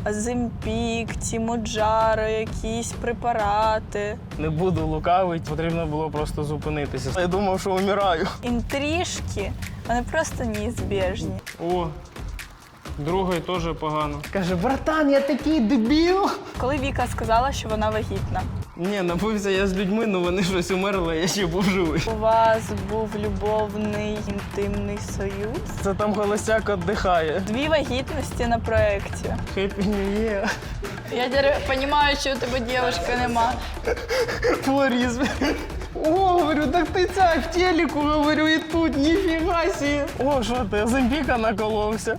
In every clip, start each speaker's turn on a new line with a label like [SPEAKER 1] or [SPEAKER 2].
[SPEAKER 1] Оземпік, ці Моджаро, якісь препарати.
[SPEAKER 2] Не буду лукавити, потрібно було просто зупинитися. Я думав, що вмираю.
[SPEAKER 1] Інтрижки, вони просто неізбіжні.
[SPEAKER 2] О, другий теж погано. Каже, братан, я такий дебіл.
[SPEAKER 1] Коли Віка сказала, що вона вагітна,
[SPEAKER 2] Ні, напився я з людьми, але вони щось умерли, я ще був живий.
[SPEAKER 1] у вас був любовний інтимний союз.
[SPEAKER 2] Це там холостяк віддихає.
[SPEAKER 1] 2 вагітності на проєкті.
[SPEAKER 2] Happy New Year.
[SPEAKER 1] Я тепер розумію, що у тебе дівчинки нема.
[SPEAKER 2] Флоризм. О, говорю, так ти ця в телеку, говорю, і тут, ніфіга сі. О, що ти, Оземпіка наколовся.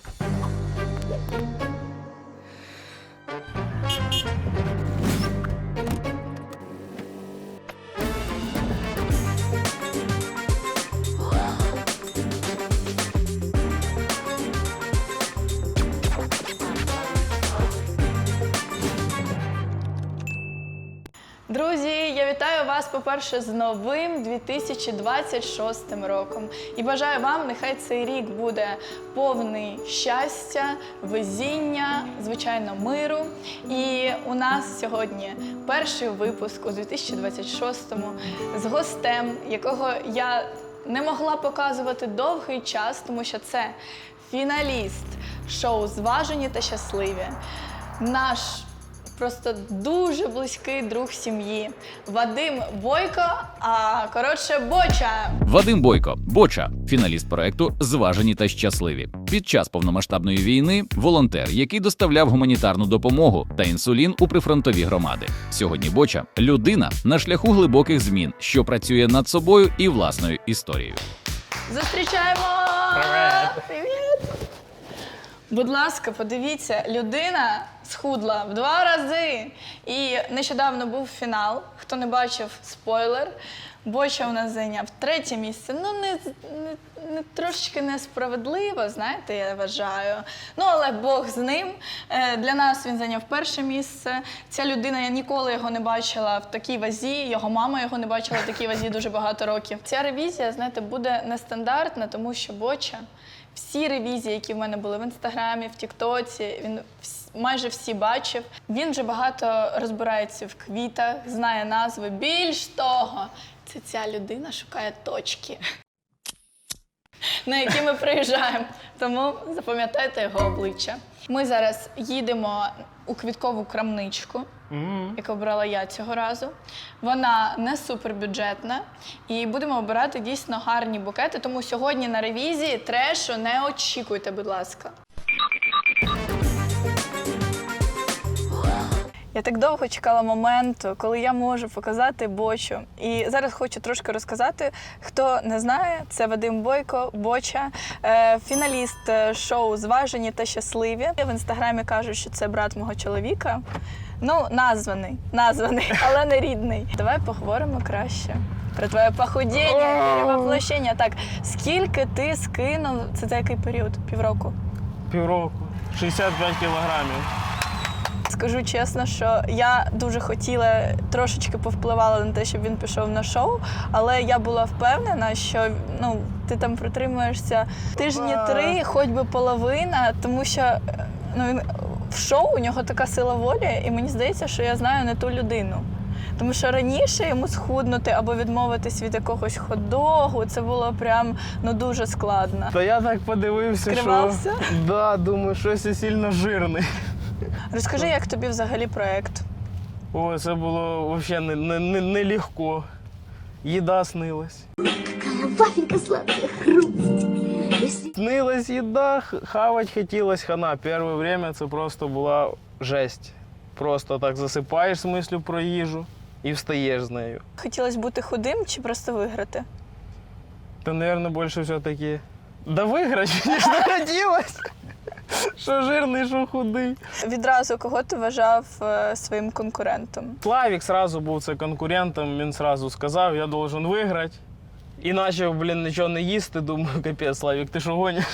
[SPEAKER 1] Друзі, я вітаю вас, по-перше, з новим 2026 роком. І бажаю вам, нехай цей рік буде повний щастя, везіння, звичайно, миру. І у нас сьогодні перший випуск у 2026-му з гостем, якого я не могла показувати довгий час, тому що це фіналіст шоу «Зважені та щасливі». Наш просто дуже близький друг сім'ї Вадим Бойко, Боча.
[SPEAKER 3] Вадим Бойко, Боча, фіналіст проекту «Зважені та щасливі». Під час повномасштабної війни волонтер, який доставляв гуманітарну допомогу та інсулін у прифронтові громади. Сьогодні Боча – людина на шляху глибоких змін, що працює над собою і власною історією.
[SPEAKER 1] Зустрічаємо!
[SPEAKER 2] Привет!
[SPEAKER 1] Привіт! Будь ласка, подивіться, людина схудла в 2 рази. І нещодавно був фінал. Хто не бачив, спойлер. Боча у нас зайняв 3-е місце. Ну, не трошечки несправедливо, знаєте, я вважаю. Ну, але Бог з ним. Для нас він зайняв 1-е місце. Ця людина, я ніколи його не бачила в такій вазі. Його мама його не бачила в такій вазі дуже багато років. Ця ревізія, знаєте, буде нестандартна, тому що Боча всі ревізії, які в мене були в Інстаграмі, в Тіктоці, він майже всі бачив. Він вже багато розбирається в квітах, знає назви. Більш того, це ця людина шукає точки, на які ми приїжджаємо. Тому запам'ятайте його обличчя. Ми зараз їдемо у квіткову крамничку, яку обрала я цього разу. Вона не супербюджетна і будемо обирати дійсно гарні букети, тому сьогодні на ревізії трешу не очікуйте, будь ласка. Я так довго чекала моменту, коли я можу показати Бочу. І зараз хочу трошки розказати, хто не знає, це Вадим Бойко, Боча, фіналіст шоу «Зважені та щасливі». В Інстаграмі кажуть, що це брат мого чоловіка. Ну, названий, але не рідний. Давай поговоримо краще про твоє похудіння, перевоплощення. Так, скільки ти скинув, це за який період? Півроку?
[SPEAKER 2] Півроку. 65 кілограмів.
[SPEAKER 1] Скажу чесно, що я дуже хотіла, трошечки повпливала на те, щоб він пішов на шоу, але я була впевнена, що ти там протримуєшся тижні 3, хоч би половина, тому що він в шоу у нього така сила волі, і мені здається, що я знаю не ту людину. Тому що раніше йому схуднути або відмовитись від якогось хот-догу, це було прям дуже складно.
[SPEAKER 2] Та я так подивився,
[SPEAKER 1] Скривався?
[SPEAKER 2] що... Да, думаю, щось я сильно жирний.
[SPEAKER 1] Розкажи, як тобі взагалі проєкт?
[SPEAKER 2] О, це було взагалі нелегко. Їда снилась.
[SPEAKER 4] Какая вафелька сладкая, хруст.
[SPEAKER 2] Снилась їда, хавать хотілось хана. Перше время це просто була жесть. Просто так засипаєш з мислю про їжу і встаєш з нею.
[SPEAKER 1] Хотілося бути худим чи просто виграти?
[SPEAKER 2] Та, мабуть, більше все-таки да виграти, ніж не хотілося. Що жирний, що худий.
[SPEAKER 1] Відразу кого ти вважав своїм конкурентом?
[SPEAKER 2] Славік одразу був це конкурентом, він одразу сказав, я должен виграти. І почав, нічого не їсти, думаю, капець, Славік, ти що гониш?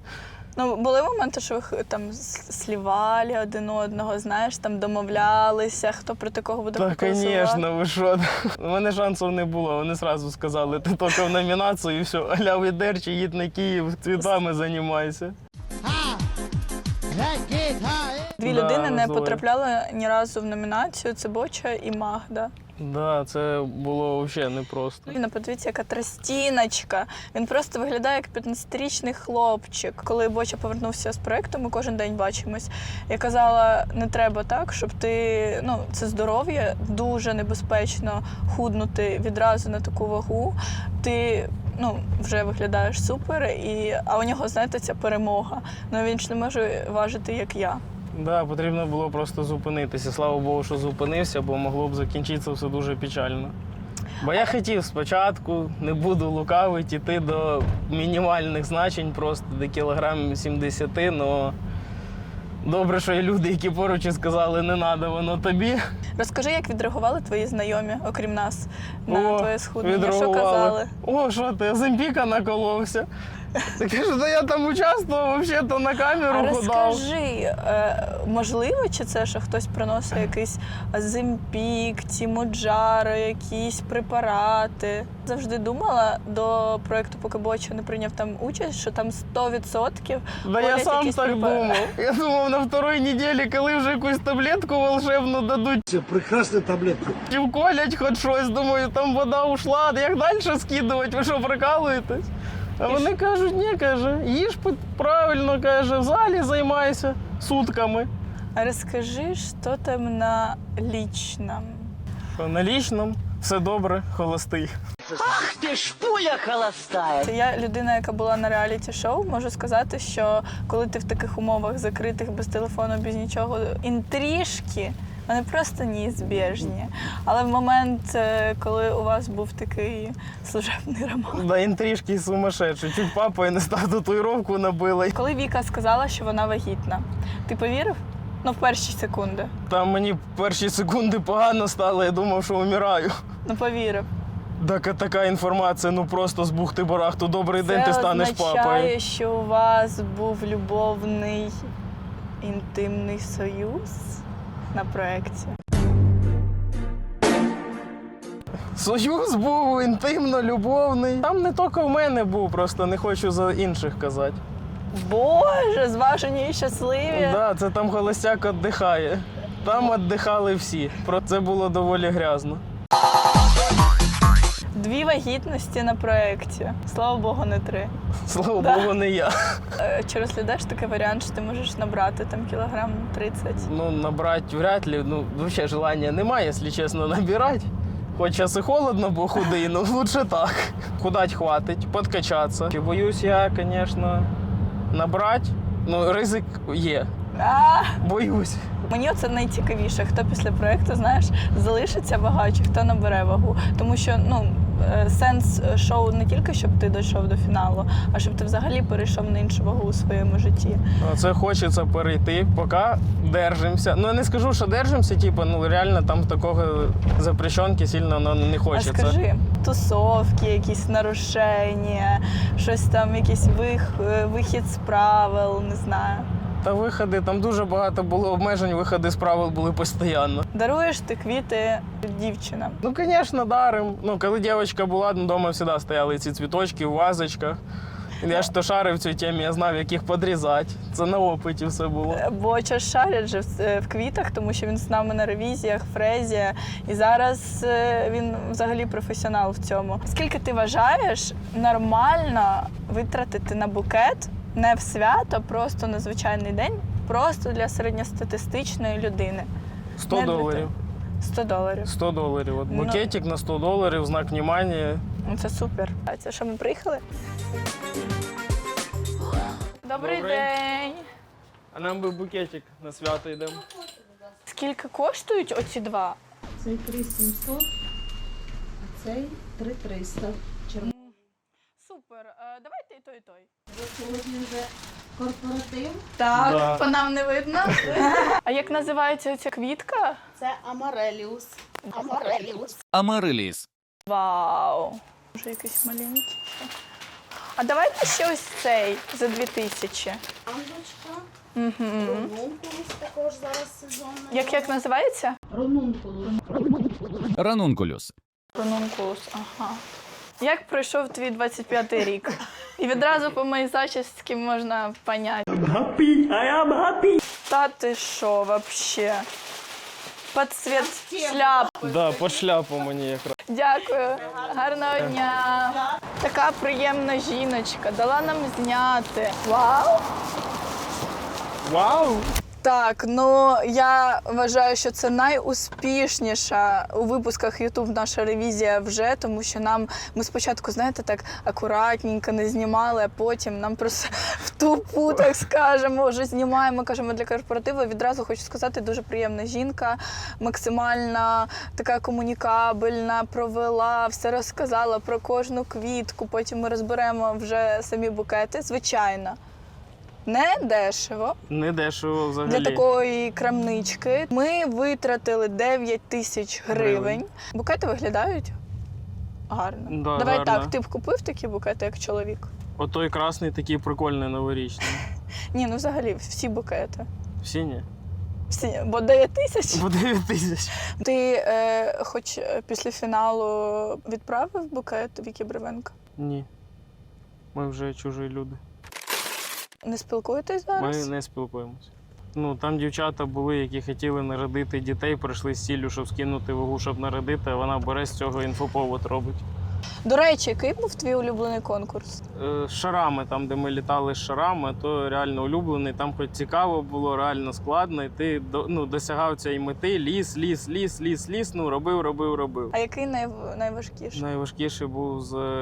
[SPEAKER 1] Були моменти, що ви там слівали один одного, знаєш, там домовлялися, хто проти кого буде конкурсувати?
[SPEAKER 2] Так, звісно, ви що? У мене шансів не було, вони одразу сказали, ти тільки в номінацію і все, аля відерчі, їдь на Київ, цвітами займайся.
[SPEAKER 1] Дві
[SPEAKER 2] Да,
[SPEAKER 1] людини не
[SPEAKER 2] роздвоїв.
[SPEAKER 1] потрапляли ні разу в номінацію. Це Боча і Магда.
[SPEAKER 2] Да, це було взагалі непросто.
[SPEAKER 1] Він, подивіться, яка тростіночка. Він просто виглядає як 15-річний хлопчик. Коли Боча повернувся з проєкту, ми кожен день бачимось. Я казала, не треба так, щоб ти, це здоров'я, дуже небезпечно худнути відразу на таку вагу. Ти, вже виглядаєш супер, а у нього, знаєте, ця перемога. Він ж не може важити, як я.
[SPEAKER 2] Да, потрібно було просто зупинитися. Слава Богу, що зупинився, бо могло б закінчитися все дуже печально. Бо я хотів спочатку, не буду лукавити, йти до мінімальних значень, просто до кілограм 70, але добре, що є люди, які поруч і сказали, не треба воно тобі.
[SPEAKER 1] Розкажи, як відреагували твої знайомі, окрім нас, на твоє схуднення? Що
[SPEAKER 2] відреагували.
[SPEAKER 1] казали?
[SPEAKER 2] О, що ти, Оземпіка наколовся. Так кажу, да я там участвував, взагалі-то на камеру
[SPEAKER 1] А
[SPEAKER 2] худав.
[SPEAKER 1] розкажи, можливо, чи це, що хтось приносить якийсь Оземпік, Тімоджаро, якісь препарати? Завжди думала до проєкту, поки Боча не прийняв там участь, що там 100%
[SPEAKER 2] Да я
[SPEAKER 1] входять
[SPEAKER 2] сам
[SPEAKER 1] якісь
[SPEAKER 2] так думав. Я думав, на второй неділі, коли вже якусь таблетку волшебну дадуть,
[SPEAKER 5] Це прекрасна таблетка.
[SPEAKER 2] чи вколять хоч щось, думаю, там вода ушла, як далі скидувати, ви що, прикалуєтесь? А вони кажуть, ні, каже, їж правильно, каже, в залі займайся сутками.
[SPEAKER 1] А розкажи, що там на лічному?
[SPEAKER 2] Що на лічному все добре, холостий.
[SPEAKER 6] Ты ж пуля холостая.
[SPEAKER 1] Я людина, яка була на реаліті-шоу, можу сказати, що коли ти в таких умовах закритих, без телефону, без нічого, інтрижки, вони просто неізбіжні. Але в момент, коли у вас був такий служебний роман.
[SPEAKER 2] Да, інтрижки сумасшедші. Чуть папа не став татуїровку набила.
[SPEAKER 1] Коли Віка сказала, що вона вагітна, ти повірив? В перші секунди.
[SPEAKER 2] Там мені перші секунди погано стало, я думав, що вмираю.
[SPEAKER 1] Повірив.
[SPEAKER 2] Так, така інформація, просто з бухти-барахту. Добрий день, ти станеш
[SPEAKER 1] Це
[SPEAKER 2] папою.
[SPEAKER 1] означає, що у вас був любовний інтимний союз на проєкті.
[SPEAKER 2] Союз був інтимно-любовний. Там не тільки в мене був, просто не хочу за інших казати.
[SPEAKER 1] Боже, зважені і щасливі.
[SPEAKER 2] Да, це там холостяк віддихає. Там віддихали всі. Про це було доволі грязно.
[SPEAKER 1] 2 вагітності на проєкті. Слава Богу, не 3.
[SPEAKER 2] Слава
[SPEAKER 1] Да.
[SPEAKER 2] Богу, не я.
[SPEAKER 1] Чи розглядаєш такий варіант, що ти можеш набрати там кілограм 30?
[SPEAKER 2] Набрати вряд ли. Взагалі желання немає, якщо чесно, набирати. Хоч зараз і холодно, бо худий, лучше так. Худать хватить, подкачатися. Чи боюсь я, звісно, набрати. Ризик є. Боюсь.
[SPEAKER 1] Мені оце найцікавіше, хто після проєкту, знаєш, залишиться вага, чи хто набере вагу. Тому що, сенс шоу не тільки, щоб ти дійшов до фіналу, а щоб ти взагалі перейшов на іншу вагу у своєму житті.
[SPEAKER 2] Це хочеться перейти, поки держимося. Я не скажу, що держимося, реально там такого запрещенки сильно не хочеться.
[SPEAKER 1] А скажи, тусовки, якісь нарушення, щось там, якийсь вихід з правил, не знаю.
[SPEAKER 2] Та виходи, там дуже багато було обмежень, виходи з правил були постійно.
[SPEAKER 1] Даруєш ти квіти дівчинам?
[SPEAKER 2] Звісно, дарим. Коли дівчинка була, вдома завжди стояли ці цвіточки в вазочках. Я ж то шарив в цій темі, я знав, як їх подрізати. Це на опиті все було.
[SPEAKER 1] Боча шарять же в квітах, тому що він з нами на ревізіях, фрезі. І зараз він взагалі професіонал в цьому. Скільки ти вважаєш нормально витратити на букет не в свято, просто на звичайний день, просто для середньостатистичної людини?
[SPEAKER 2] $100.
[SPEAKER 1] $100.
[SPEAKER 2] $100. Букетик на $100, знак внимання.
[SPEAKER 1] Це супер. А це що, ми приїхали? Добрий
[SPEAKER 2] Добрий.
[SPEAKER 1] день.
[SPEAKER 2] А нам би букетик на свято йдемо.
[SPEAKER 1] Скільки коштують оці 2?
[SPEAKER 7] Цей 3700, а цей 3300.
[SPEAKER 1] Супер. Давайте і той, і той.
[SPEAKER 7] Сьогодні вже корпоратив.
[SPEAKER 1] Так,
[SPEAKER 2] Да.
[SPEAKER 1] по нам не видно. А як називається ця квітка?
[SPEAKER 7] Це Амареліус. Амареліус.
[SPEAKER 3] Амариліс.
[SPEAKER 1] Вау. Може якийсь маленький. А давайте ще ось цей за 2000.
[SPEAKER 7] Ангочка.
[SPEAKER 1] Угу.
[SPEAKER 7] Ронункулус також зараз сезонний.
[SPEAKER 1] Як називається?
[SPEAKER 7] Ронункулус.
[SPEAKER 3] Ранункулюс.
[SPEAKER 1] Ронункулус. Ага. Як пройшов твій 25-й рік? І відразу по моїй зачісці можна поняти.
[SPEAKER 6] Happy, I am happy.
[SPEAKER 1] Та ти що, вообще? Під цвіт шляпи.
[SPEAKER 2] Да, по шляпу мені якраз.
[SPEAKER 1] Дякую. Гарного дня. Така приємна жіночка. Дала нам зняти. Вау!
[SPEAKER 2] Вау!
[SPEAKER 1] Так, ну я вважаю, що це найуспішніша у випусках YouTube наша ревізія вже, тому що ми спочатку, знаєте, так акуратненько не знімали, а потім нам просто в тупу, так скажемо, вже знімаємо, кажемо для корпоративу. Відразу хочу сказати, дуже приємна жінка, максимально така комунікабельна, провела, все розказала про кожну квітку, потім ми розберемо вже самі букети, звичайно. Не дешево.
[SPEAKER 2] Не дешево взагалі.
[SPEAKER 1] Для такої крамнички ми витратили 9 тисяч гривень. Букети виглядають гарно.
[SPEAKER 2] Да,
[SPEAKER 1] Давай
[SPEAKER 2] гарно.
[SPEAKER 1] так, ти б купив такі букети, як чоловік?
[SPEAKER 2] Отой красний такий прикольний новорічний.
[SPEAKER 1] Ні, ну взагалі всі букети.
[SPEAKER 2] Всі ні.
[SPEAKER 1] Всі, бо 9 тисяч.
[SPEAKER 2] По 9 тисяч.
[SPEAKER 1] Ти хоч після фіналу відправив букет Вікі Бревенко?
[SPEAKER 2] Ні. Ми вже чужі люди.
[SPEAKER 1] Не спілкуєтесь
[SPEAKER 2] Ми
[SPEAKER 1] зараз?
[SPEAKER 2] не спілкуємося. Ну, там дівчата були, які хотіли народити дітей, прийшли з ціллю, щоб скинути вагу, щоб народити, а вона бере з цього інфоповод робить.
[SPEAKER 1] До речі, який був твій улюблений конкурс?
[SPEAKER 2] З шарами, там, де ми літали з шарами, то реально улюблений. Там хоч цікаво було, реально складно, і ти досягав цієї мети, ліс, робив.
[SPEAKER 1] А який найважкіший?
[SPEAKER 2] Найважкіший був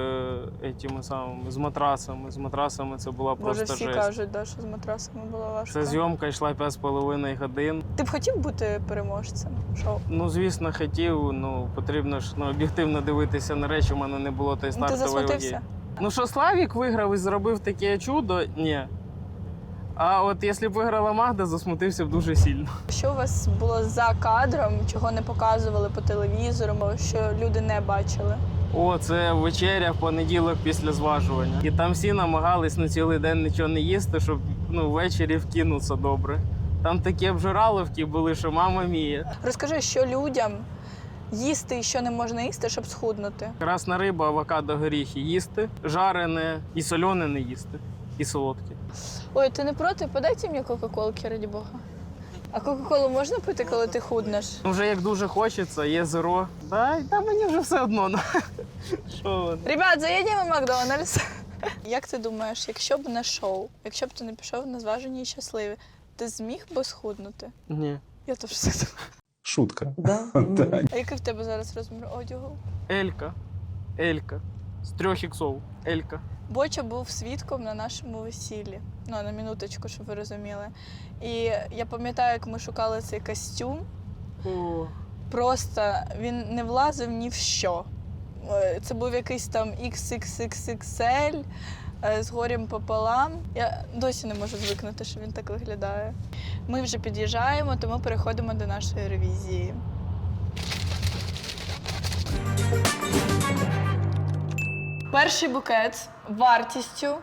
[SPEAKER 2] з матрасами. З матрасами це була
[SPEAKER 1] Боже,
[SPEAKER 2] просто
[SPEAKER 1] всі
[SPEAKER 2] жесть.
[SPEAKER 1] кажуть, да, що з матрасами було важко.
[SPEAKER 2] Ця зйомка йшла 5,5 годин.
[SPEAKER 1] Ти б хотів бути переможцем шоу?
[SPEAKER 2] Ну, звісно, хотів. Потрібно ж об'єктивно дивитися на речі. У мене не було тої
[SPEAKER 1] Ти
[SPEAKER 2] стартової ваги.
[SPEAKER 1] засмутився?
[SPEAKER 2] Ну, що Славік виграв і зробив таке чудо? Ні. А от якщо б виграла Магда, засмутився б дуже сильно.
[SPEAKER 1] Що у вас було за кадром, чого не показували по телевізору, що люди не бачили?
[SPEAKER 2] О, це вечеря в понеділок після зважування. І там всі намагались на цілий день нічого не їсти, щоб ввечері вкинутися добре. Там такі обжираловки були, що мама мія.
[SPEAKER 1] Розкажи, що людям їсти і що не можна їсти, щоб схуднути?
[SPEAKER 2] Красна риба, авокадо, горіхи їсти, жарене і солене не їсти, і солодке.
[SPEAKER 1] Ой, ти не проти? Подайте мені кока-колки, раді Бога. А кока-колу можна пити, коли ти худнеш?
[SPEAKER 2] Вже як дуже хочеться, є зеро. Та мені вже все одно. Що воно?
[SPEAKER 1] Ребят, заїдемо в Макдональдс. Як ти думаєш, якщо б не шоу, якщо б ти не пішов на зважені і щасливі, ти зміг би схуднути?
[SPEAKER 2] Ні.
[SPEAKER 1] Я теж все думаю.
[SPEAKER 5] Шутка.
[SPEAKER 1] А який в тебе зараз розмір одягу?
[SPEAKER 2] Елька. З 3 іксов. Елька.
[SPEAKER 1] Боча був свідком на нашому весіллі. Ну, на минуточку, щоб ви розуміли. І я пам'ятаю, як ми шукали цей костюм.
[SPEAKER 2] О.
[SPEAKER 1] Просто він не влазив ні в що. Це був якийсь там XXXXL з горем пополам. Я досі не можу звикнути, що він так виглядає. Ми вже під'їжджаємо, тому переходимо до нашої ревізії. Перший букет вартістю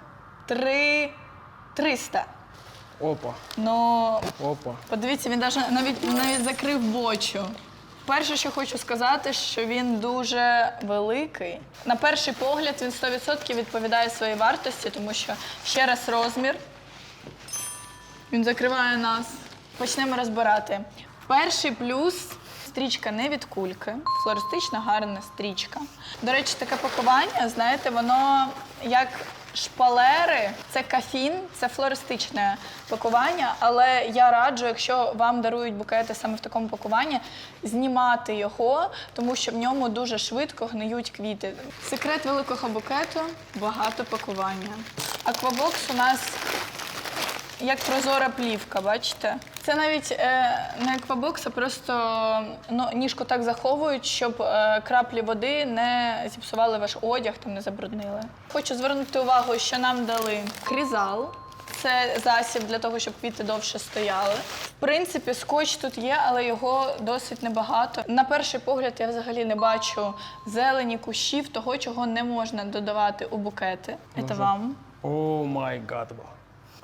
[SPEAKER 1] 300.
[SPEAKER 2] Опа.
[SPEAKER 1] Ну,
[SPEAKER 2] Опа.
[SPEAKER 1] подивіться, він навіть закрив бочу. Перше, що хочу сказати, що він дуже великий. На перший погляд він 100% відповідає своїй вартості, тому що ще раз розмір. Він закриває нас. Почнемо розбирати. Перший плюс – стрічка не від кульки, флористична гарна стрічка. До речі, таке пакування, знаєте, воно як шпалери, це кафін, це флористичне пакування, але я раджу, якщо вам дарують букети саме в такому пакуванні, знімати його, тому що в ньому дуже швидко гниють квіти. Секрет великого букету – багато пакування. Аквабокс у нас як прозора плівка, бачите? Це навіть не аквабокс, а просто ніжку так заховують, щоб краплі води не зіпсували ваш одяг, там не забруднили. Хочу звернути увагу, що нам дали крізал. Це засіб для того, щоб квіти довше стояли. В принципі, скотч тут є, але його досить небагато. На перший погляд я взагалі не бачу зелені, кущів, того, чого не можна додавати у букети. Це вам.
[SPEAKER 2] О май гад.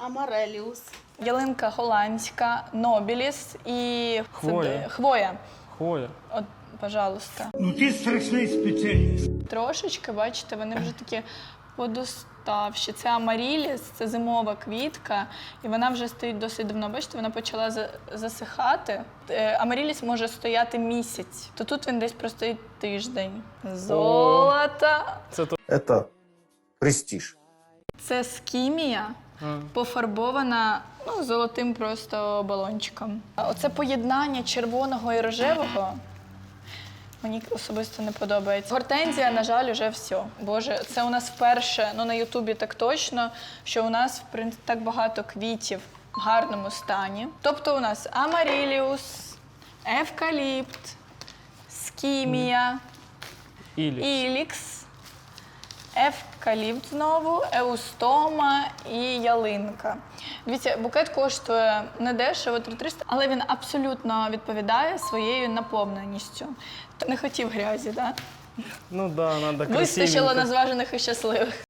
[SPEAKER 7] Амареліус.
[SPEAKER 1] Ялинка голландська, нобіліс і
[SPEAKER 2] Хвоя.
[SPEAKER 1] хвоя.
[SPEAKER 2] Хвоя.
[SPEAKER 1] От, пожалуйста.
[SPEAKER 6] Ну ти страшний спеціаліст.
[SPEAKER 1] Трошечки, бачите, вони вже такі подоставші. Це амаріліс, це зимова квітка, і вона вже стоїть досить давно. Бачите, вона почала засихати. Амаріліс може стояти місяць, то тут він десь простоїть тиждень. Золото!
[SPEAKER 5] Это престиж.
[SPEAKER 1] Це скімія, пофарбована золотим просто балончиком. Оце поєднання червоного і рожевого мені особисто не подобається. Гортензія, на жаль, уже все. Боже, це у нас вперше, на Ютубі так точно, що у нас в принципі так багато квітів в гарному стані. Тобто у нас амаріліус, евкаліпт, скімія, ілікс, евкаліпт знову, еустома і ялинка. Дивіться, букет коштує недешево, 3300, але він абсолютно відповідає своєю наповненістю. Не хотів грязі, так?
[SPEAKER 2] Ну да, треба красивенько.
[SPEAKER 1] Вистачило на зважених і щасливих.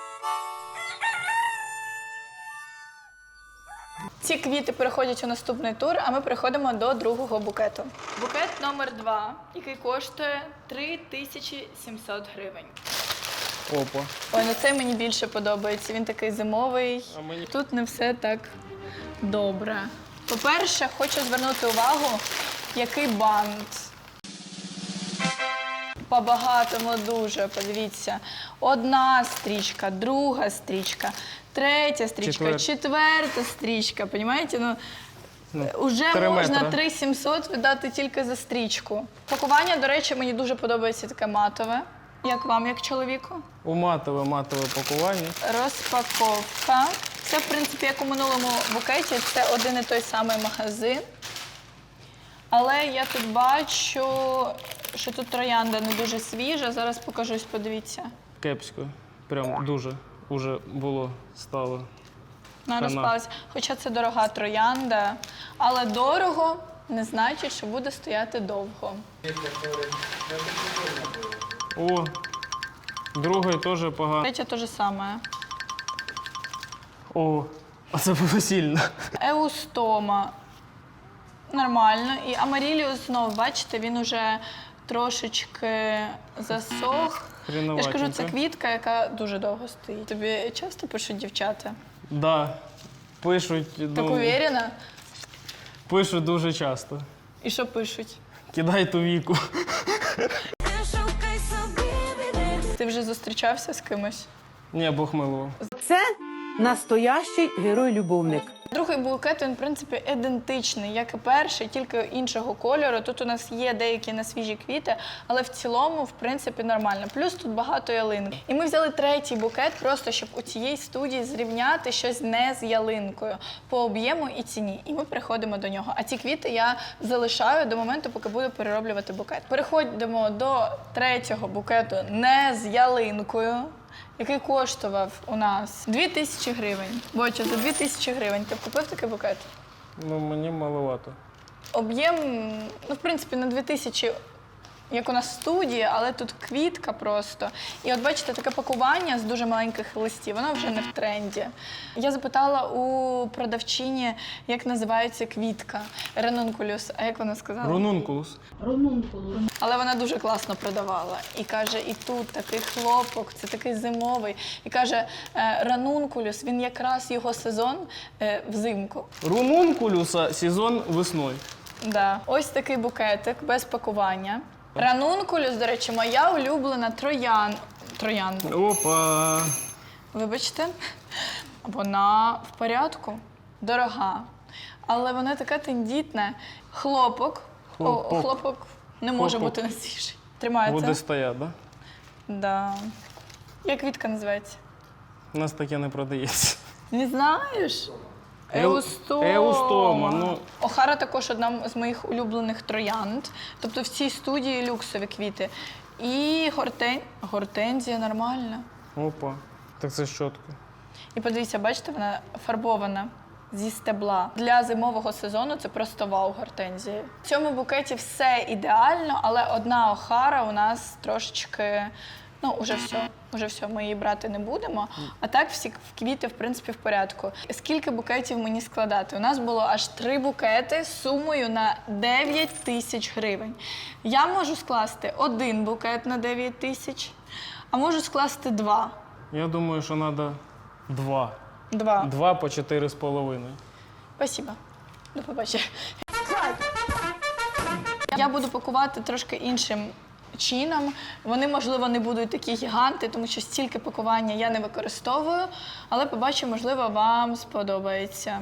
[SPEAKER 1] Ці квіти переходять у наступний тур, а ми переходимо до другого букету. Букет номер 2, який коштує 3700 гривень.
[SPEAKER 2] Опа.
[SPEAKER 1] Ой, ну цей мені більше подобається. Він такий зимовий.
[SPEAKER 2] А мені-
[SPEAKER 1] Тут не все так добре. По-перше, хочу звернути увагу, який бант. По-багатому дуже, подивіться. Одна стрічка, друга стрічка, третя стрічка, четверта стрічка. Понімаєте? Уже
[SPEAKER 2] 3
[SPEAKER 1] можна
[SPEAKER 2] метри.
[SPEAKER 1] 3700 віддати тільки за стрічку. Пакування, до речі, мені дуже подобається таке матове. Як вам, як чоловіку?
[SPEAKER 2] У матове пакування.
[SPEAKER 1] Розпаковка. Це, в принципі, як у минулому букеті, це один і той самий магазин. Але я тут бачу, що тут троянда не дуже свіжа. Зараз покажусь, подивіться.
[SPEAKER 2] Кепсько. Прям дуже уже стало.
[SPEAKER 1] Вона
[SPEAKER 2] Хана.
[SPEAKER 1] розпалась. Хоча це дорога троянда, але дорого не значить, що буде стояти довго.
[SPEAKER 2] О, другий теж погано.
[SPEAKER 1] Третя те ж саме.
[SPEAKER 2] О, а це було сильно.
[SPEAKER 1] Еустома. Нормально. І амаріліус знов, бачите, він уже трошечки засох. Я ж кажу, це квітка, яка дуже довго стоїть. Тобі часто пишуть дівчата?
[SPEAKER 2] Да. Пишуть,
[SPEAKER 1] Так уверена?
[SPEAKER 2] пишуть дуже часто.
[SPEAKER 1] І що пишуть?
[SPEAKER 2] Кидай ту віку.
[SPEAKER 1] Ти вже зустрічався з кимось?
[SPEAKER 2] Ні, Бог милував.
[SPEAKER 8] Це настоящий герой-любовник.
[SPEAKER 1] Другий букет, він, в принципі, ідентичний, як і перший, тільки іншого кольору. Тут у нас є деякі несвіжі квіти, але в цілому, в принципі, нормально. Плюс тут багато ялинок. І ми взяли третій букет, просто щоб у цієї студії зрівняти щось не з ялинкою по об'єму і ціні. І ми переходимо до нього. А ці квіти я залишаю до моменту, поки буду перероблювати букет. Переходимо до третього букету не з ялинкою, який коштував у нас 2000 гривень. Боча, за 2000 гривень ти б купив такий букет?
[SPEAKER 2] Ну, мені маловато.
[SPEAKER 1] Об'єм, в принципі, на 2000, як у нас в студії, але тут квітка просто. І от бачите, таке пакування з дуже маленьких листів, воно вже не в тренді. Я запитала у продавчині, як називається квітка. Ранункулюс. А як вона сказала?
[SPEAKER 2] Рунункулус.
[SPEAKER 1] Але вона дуже класно продавала. І каже, і тут такий хлопок, це такий зимовий. І каже, ранункулюс, він якраз його сезон взимку.
[SPEAKER 2] Рунункулюса сезон весною.
[SPEAKER 1] Да. Ось такий букетик без пакування. Ранункулюс, до речі, моя улюблена троянда.
[SPEAKER 2] Опа.
[SPEAKER 1] Вибачте, вона в порядку, дорога. Але вона така тендітна. Хлопок.
[SPEAKER 2] Хлопок.
[SPEAKER 1] Хлопок не може
[SPEAKER 2] Хлопок.
[SPEAKER 1] бути не свіжий. Тримається.
[SPEAKER 2] Буде стояти, да?
[SPEAKER 1] Да. Як квітка називається?
[SPEAKER 2] У нас таке не продається.
[SPEAKER 1] Не знаєш?
[SPEAKER 2] Еустома.
[SPEAKER 1] Еустома.
[SPEAKER 2] Ну.
[SPEAKER 1] Охара також одна з моїх улюблених троянд. Тобто в цій студії люксові квіти. І гортензія нормальна.
[SPEAKER 2] Опа. Так це ж чітко.
[SPEAKER 1] І подивіться, бачите, вона фарбована зі стебла. Для зимового сезону це просто вау гортензії. В цьому букеті все ідеально, але одна охара у нас трошечки, уже все. Уже все, ми її брати не будемо. А так всі квіти, в принципі, в порядку. Скільки букетів мені складати? У нас було аж 3 букети з сумою на 9 тисяч гривень. Я можу скласти 1 букет на 9 тисяч, а можу скласти 2.
[SPEAKER 2] Я думаю, що треба 2.
[SPEAKER 1] 2.
[SPEAKER 2] 2 по 4,5.
[SPEAKER 1] Спасибо. До побачення. Я буду пакувати трошки іншим чином. Вони, можливо, не будуть такі гіганти, тому що стільки пакування я не використовую, але побачу, можливо, вам сподобається.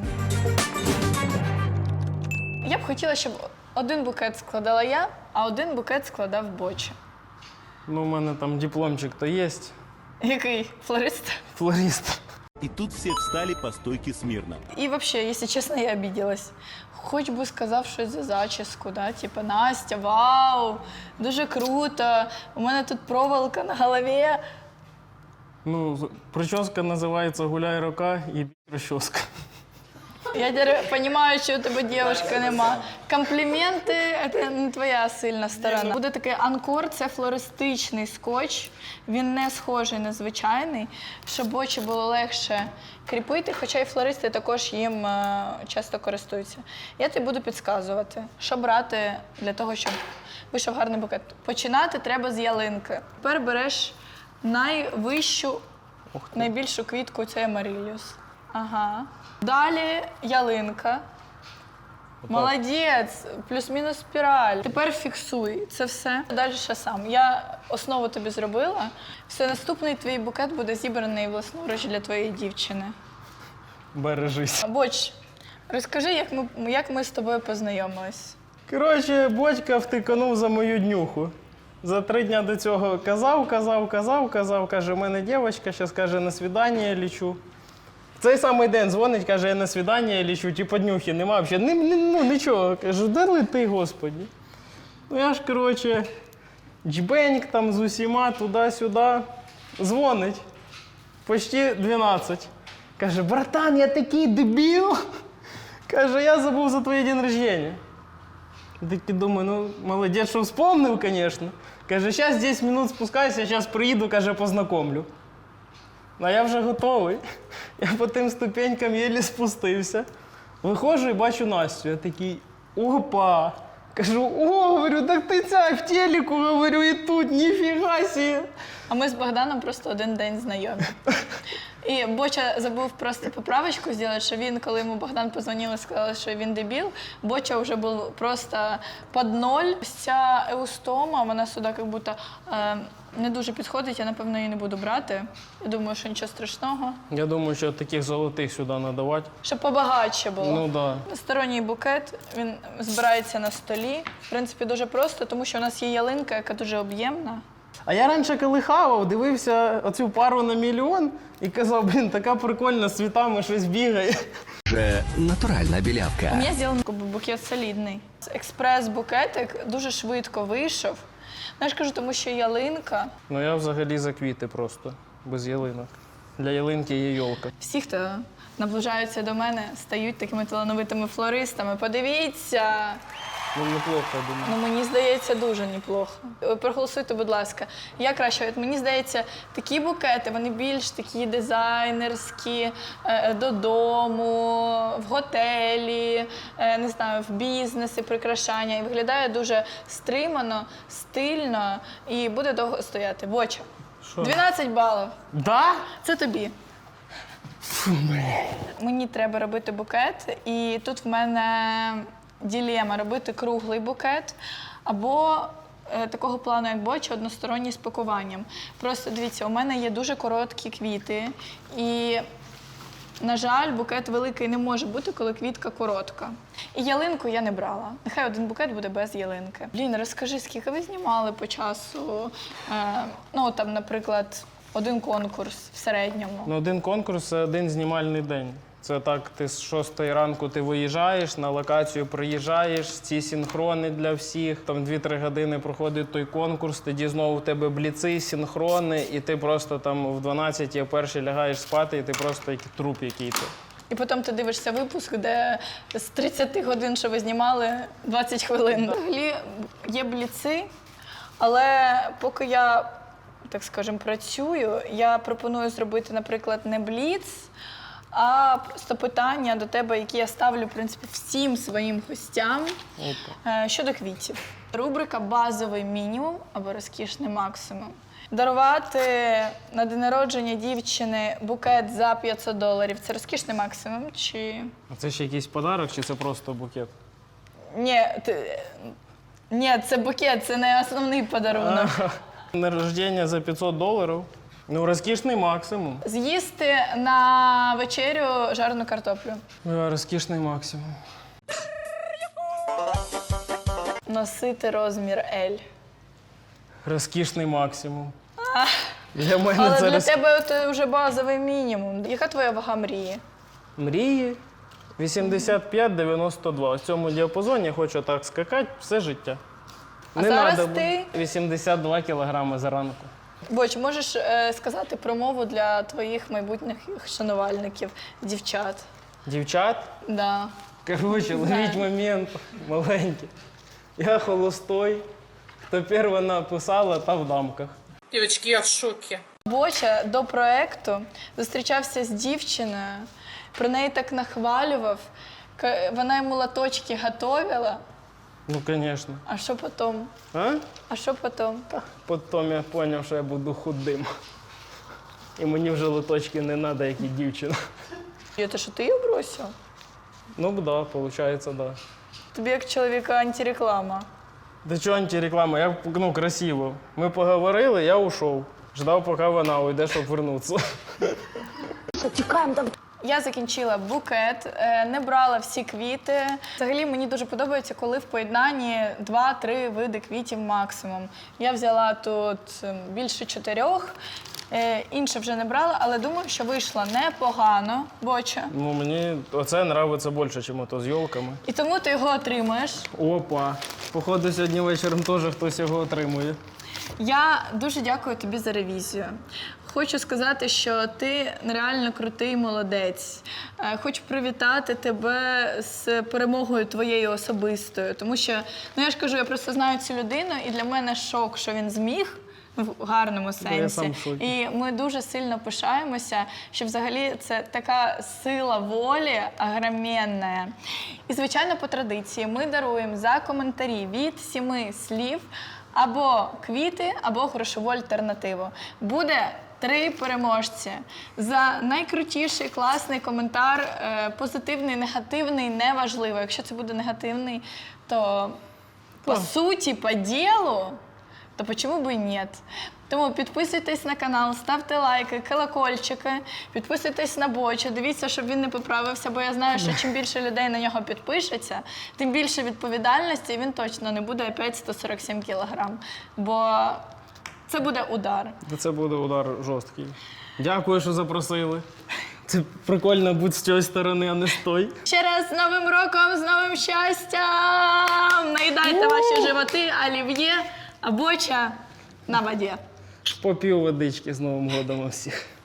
[SPEAKER 1] Я б хотіла, щоб 1 букет складала я, а 1 букет складав Боча.
[SPEAKER 2] Ну, у мене там дипломчик-то є.
[SPEAKER 1] Який? Флорист?
[SPEAKER 2] Флорист.
[SPEAKER 9] И тут все встали по стойке смирно.
[SPEAKER 1] І взагалі, якщо чесно, я обиделась. Хоч би сказав щось за зачіску, да? Типа, Настя, вау, дуже круто, у мене тут проволока на голові.
[SPEAKER 2] Ну, прическа називається «Гуляй рука» і розчоска.
[SPEAKER 1] Я розумію, що у тебе дівчинка нема. Компліменти – це не твоя сильна сторона. Буде такий анкор, це флористичний скотч. Він не схожий на звичайний, щоб очі було легше кріпити, хоча і флористи також їм часто користуються. Я тобі буду підказувати, що брати для того, щоб вийшов гарний букет. Починати треба з ялинки. Тепер береш найвищу, найбільшу квітку – це амариліус. Ага. Далі ялинка. Молодець, плюс-мінус спіраль. Тепер фіксуй це все. Далі ще сам. Я основу тобі зробила. Все, наступний твій букет буде зібраний власноруч для твоєї дівчини.
[SPEAKER 2] Бережись.
[SPEAKER 1] Боч, розкажи, як ми з тобою познайомились.
[SPEAKER 2] Коротше, Бодька втиканув за мою днюху. За 3 дня до цього казав, каже, у мене дівчинка, зараз, каже, на свідання лічу. В цей самий день дзвонить, каже, я на свідання лічу, типу днюхи нема, взагалі, нічого. Кажу, де лети, Господі. Ну я ж, коротше, джбеньк там з усіма, туди-сюди. Дзвонить. Почти 12. Каже, братан, я такий дебіл. Каже, я забув за твій день рождения. Такий думаю, ну, молодець, що вспомнив, звісно. Каже, зараз 10 минут спускайся, зараз приїду, каже, познайомлю. А я вже готовий. Я по тим ступенькам єлі спустився. Виходжу і бачу Настю. Я такий, опа. Кажу, говорю, так ти ця в телеку, говорю, і тут, ніфіга сі.
[SPEAKER 1] А ми з Богданом просто 1 день знайомі. І Боча забув просто поправочку зробити, що він, коли йому Богдан позвонив і сказав, що він дебіл, Боча вже був просто під 0. Ця еустома, вона сюди як будто не дуже підходить, я, напевно, її не буду брати. Я думаю, що нічого страшного.
[SPEAKER 2] Я думаю, що таких золотих сюди надавати.
[SPEAKER 1] Щоб побагатше було.
[SPEAKER 2] Ну, да.
[SPEAKER 1] Сторонній букет, він збирається на столі. В принципі, дуже просто, тому що у нас є ялинка, яка дуже об'ємна.
[SPEAKER 2] А я раніше, коли хавав, дивився оцю пару на мільйон і казав, блін, така прикольна, з цвітами щось бігає.
[SPEAKER 9] Же натуральная белявка.
[SPEAKER 1] У мене зроблений букет солідний. Експрес-букетик дуже швидко вийшов. Ну, я ж кажу, тому що ялинка.
[SPEAKER 2] Ну я взагалі за квіти просто, без ялинок. Для ялинки є йолка.
[SPEAKER 1] Всі, хто наближаються до мене, стають такими талановитими флористами. Подивіться!
[SPEAKER 2] Ну, неплохо, я думаю.
[SPEAKER 1] Ну, мені здається, дуже неплохо. Проголосуйте, будь ласка. Я краще. От мені здається, такі букети, вони більш такі дизайнерські, додому, в готелі, не знаю, в бізнесі, прикрашання. І виглядає дуже стримано, стильно і буде довго стояти. Боча,
[SPEAKER 2] Що?
[SPEAKER 1] 12 балів.
[SPEAKER 2] Да?
[SPEAKER 1] Це тобі. Мені треба робити букет, і тут в мене дилема – робити круглий букет або такого плану, як Боча, односторонній з пакуванням. Просто дивіться, у мене є дуже короткі квіти, і, на жаль, букет великий не може бути, коли квітка коротка. І ялинку я не брала. Нехай 1 букет буде без ялинки. Блін, розкажи, скільки ви знімали по часу? Ну, там, наприклад, 1 конкурс в середньому.
[SPEAKER 2] Ну, 1 конкурс – це 1 знімальний день. Це так, ти з 6 ранку ти виїжджаєш, на локацію приїжджаєш, ці синхрони для всіх, там 2-3 години проходить той конкурс, тоді знову в тебе бліци, синхрони, і ти просто там в 12 я перший лягаєш спати, і ти просто як труп який-то.
[SPEAKER 1] І потім ти дивишся випуск, де з 30 годин, що ви знімали, 20 хвилин. Взагалі є бліци, але поки я так скажемо, працюю. Я пропоную зробити, наприклад, не бліц, а просто питання до тебе, які я ставлю, в принципі, всім своїм гостям щодо квітів. Рубрика «Базовий мінімум» або «Розкішний максимум». Дарувати на день народження дівчини букет за $500 – це розкішний максимум чи…
[SPEAKER 2] А це ще якийсь подарок, чи це просто букет?
[SPEAKER 1] Ні, це букет, це не основний подарунок.
[SPEAKER 2] На рождення за $500? Ну, розкішний максимум.
[SPEAKER 1] З'їсти на вечерю жарену картоплю.
[SPEAKER 2] Розкішний максимум.
[SPEAKER 1] Носити розмір L.
[SPEAKER 2] Розкішний максимум. Для мене
[SPEAKER 1] Але
[SPEAKER 2] це
[SPEAKER 1] для тебе це вже базовий мінімум. Яка твоя вага мрії?
[SPEAKER 2] Мрії 85-92. В цьому діапазоні я хочу так скакати все життя.
[SPEAKER 1] А зараз
[SPEAKER 2] надо
[SPEAKER 1] ти?
[SPEAKER 2] 82 кілограми зранку.
[SPEAKER 1] Боч, можеш сказати промову для твоїх майбутніх шанувальників, дівчат?
[SPEAKER 2] Дівчат?
[SPEAKER 1] Да.
[SPEAKER 2] Короче, ловіть момент маленький. Я холостой. Хто перший написала, та в дамках.
[SPEAKER 8] Дівчатки, я в шокі.
[SPEAKER 1] Боча до проєкту зустрічався з дівчиною, про неї так нахвалював, вона йому латочки готувала.
[SPEAKER 2] Ну, звісно.
[SPEAKER 1] А що потім?
[SPEAKER 2] А?
[SPEAKER 1] А що потім?
[SPEAKER 2] Потім я зрозумів, що я буду худим. І мені вже лоточки не треба, як і дівчина.
[SPEAKER 1] І це що ти її бросив?
[SPEAKER 2] Ну, так, да, виходить, так. Да.
[SPEAKER 1] Тобі як чоловіка антиреклама.
[SPEAKER 2] Да чого антиреклама? Я, красиво. Ми поговорили, я ушов. Ждав, поки вона уйде, щоб вернутися.
[SPEAKER 1] Я закінчила букет, не брала всі квіти. Взагалі мені дуже подобається, коли в поєднанні 2-3 види квітів максимум. Я взяла тут більше 4, інше вже не брала, але думаю, що вийшло непогано, Боча.
[SPEAKER 2] Ну, мені оце подобається більше, ніж ото з йолками.
[SPEAKER 1] І тому ти його отримуєш.
[SPEAKER 2] Опа. Походу, сьогодні вечором теж хтось його отримує.
[SPEAKER 1] Я дуже дякую тобі за ревізію. Хочу сказати, що ти реально крутий молодець. Хочу привітати тебе з перемогою твоєю особистою. Тому що, ну я ж кажу, я просто знаю цю людину, і для мене шок, що він зміг. В гарному сенсі.
[SPEAKER 2] Я сам в шокі.
[SPEAKER 1] І ми дуже сильно пишаємося, що взагалі це така сила волі огроменна. І, звичайно, по традиції ми даруємо за коментарі від 7 слів або квіти, або грошову альтернативу. Буде 3 переможці. За найкрутіший, класний коментар, позитивний, негативний, неважливо. Якщо це буде негативний, то по суті, по ділу, то почему бы и нет? Тому підписуйтесь на канал, ставте лайки, колокольчики, підписуйтесь на Бочу, дивіться, щоб він не поправився, бо я знаю, що чим більше людей на нього підпишеться, тим більше відповідальності, і він точно не буде опять 147 кілограм. Бо це буде удар.
[SPEAKER 2] Це буде удар жорсткий. Дякую, що запросили. Це прикольно бути з цієї сторони, а не з той.
[SPEAKER 1] Ще раз з Новим роком, з новим щастям! Наїдайте ваші животи, олів'є, а Боча на воді.
[SPEAKER 2] Попів водички з Новим годом у всіх.